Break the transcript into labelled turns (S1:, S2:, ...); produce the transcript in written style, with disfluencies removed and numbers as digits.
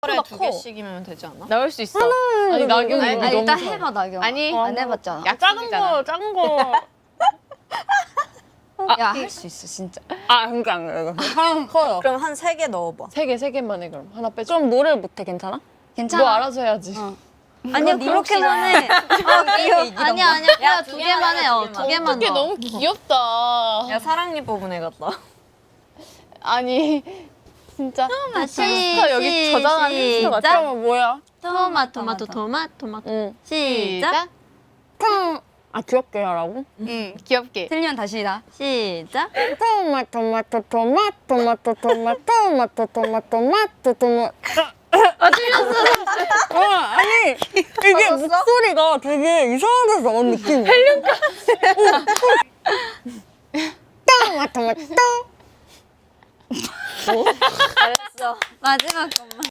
S1: 하루에 2개씩이면 되지 않아?
S2: 나올 수 있어. 아니 나경이
S3: 아니,
S2: 너무
S3: 일단
S2: 잘해.
S3: 해봐 나경.
S1: 아니.
S3: 안 해봤잖아.
S2: 작은 거.
S3: 야 할 수 있어 진짜.
S2: 그러니까 안 그래. 하나 커요.
S4: 그럼 한 3개 넣어봐.
S2: 세 개만 해 그럼. 하나 빼줘.
S4: 좀 노래를 못해 괜찮아?
S2: 너 알아서 해야지.
S3: 아니야 그렇게만 해. 아니야 그냥 두 개만 해. 두 개만
S2: 어떻게
S3: 넣어.
S2: 너무 귀엽다.
S1: 야 사랑니 뽑은 애 같다.
S2: 아니 진짜
S3: 다시
S2: 햄스터 여기 저장한 햄스터 맞죠?
S3: 시작.
S2: 뭐야?
S3: 토마토.
S2: 응.
S3: 시작.
S4: 귀엽게 하라고?
S1: 응 귀엽게.
S3: 틀리면 다시 나. 시작.
S4: 토마토. 아니 이게 목소리가 되게 이상한 데서 나온 느낌. 헬륨가. 토마토.
S3: 마지막 것만.